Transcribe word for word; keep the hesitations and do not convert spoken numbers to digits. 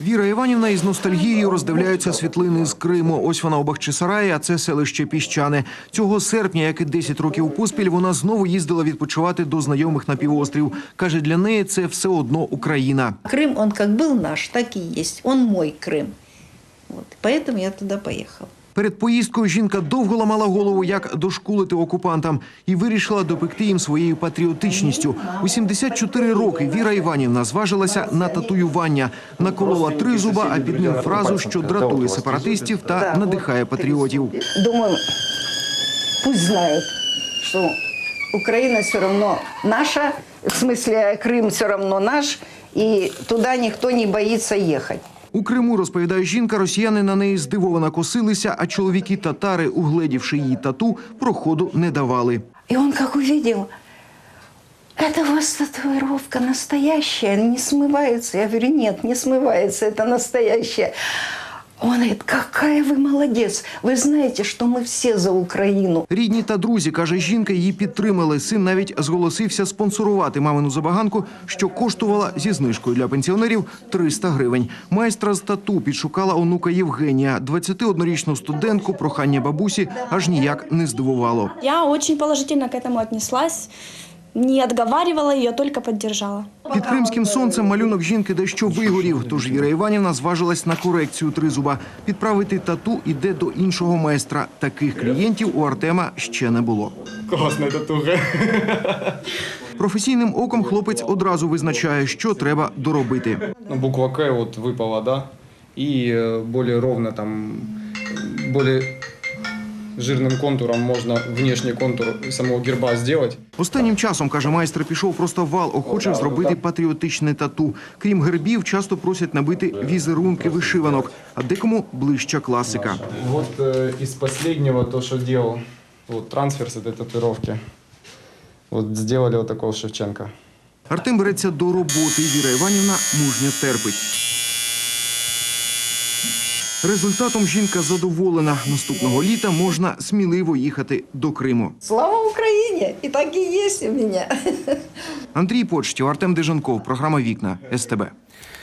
Віра Іванівна із ностальгією роздивляються світлини з Криму. Ось вона у Бахчисараї, а це селище Піщане. Цього серпня, як і десять років поспіль, вона знову їздила відпочивати до знайомих на півострів. Каже, для неї це все одно Україна. Крим, он як був наш, так і є. Он мой Крим. Вот. Поэтому я туди поїхала. Перед поїздкою жінка довго ламала голову, як дошкулити окупантам, і вирішила допекти їм своєю патріотичністю. У сімдесят чотири роки Віра Іванівна зважилася на татуювання. Наколола тризуба, а під ним фразу, що дратує сепаратистів та надихає патріотів. Думаю, пусть знають, що Україна все одно наша, в смислі Крим все одно наш, і туди ніхто не боїться їхати. У Криму, розповідає жінка, росіяни на неї здивовано косилися, а чоловіки-татари, угледівши її тату, проходу не давали. І він як побачив, це у вас татуїровка настоящая, не смивається. Я говорю, ні, не смивається, це настоящая. Он говорит, какая ви молодець, ви знаєте, що ми всі за Україну. Рідні та друзі, каже жінка, її підтримали. Син навіть зголосився спонсорувати мамину забаганку, що коштувала зі знижкою для пенсіонерів триста гривень. Майстра з тату підшукала онука Євгенія. двадцятиоднорічну студентку прохання бабусі аж ніяк не здивувало. Я очень положительно к этому отнеслась. Не отговаривала ее, только поддержала. Під кримським сонцем малюнок жінки дещо вигорів, тож Віра Іванівна зважилась на корекцію тризуба. Підправити тату іде до іншого майстра. Таких клієнтів у Артема ще не було. Класна татуха. Професійним оком хлопець одразу визначає, що треба доробити. Ну, буква К вот выпала, да, и э, более ровно там, более жирним контуром можна внешній контур самого герба зробити. Останнім часом, каже майстер, пішов просто вал охочих зробити патріотичне тату. Крім гербів, часто просять набити візерунки вишиванок, а декому ближча класика. Вот э, из последнего то, что делал, вот трансфер с этой татуировки. Вот сделали вот такого Шевченка. Артем береться до роботи. Віра Іванівна мужньо терпить. Результатом жінка задоволена. Наступного літа можна сміливо їхати до Криму. Слава Україні! І так і є у мене. Андрій Почтів, Артем Деженков. Програма «Вікна» ес те бе.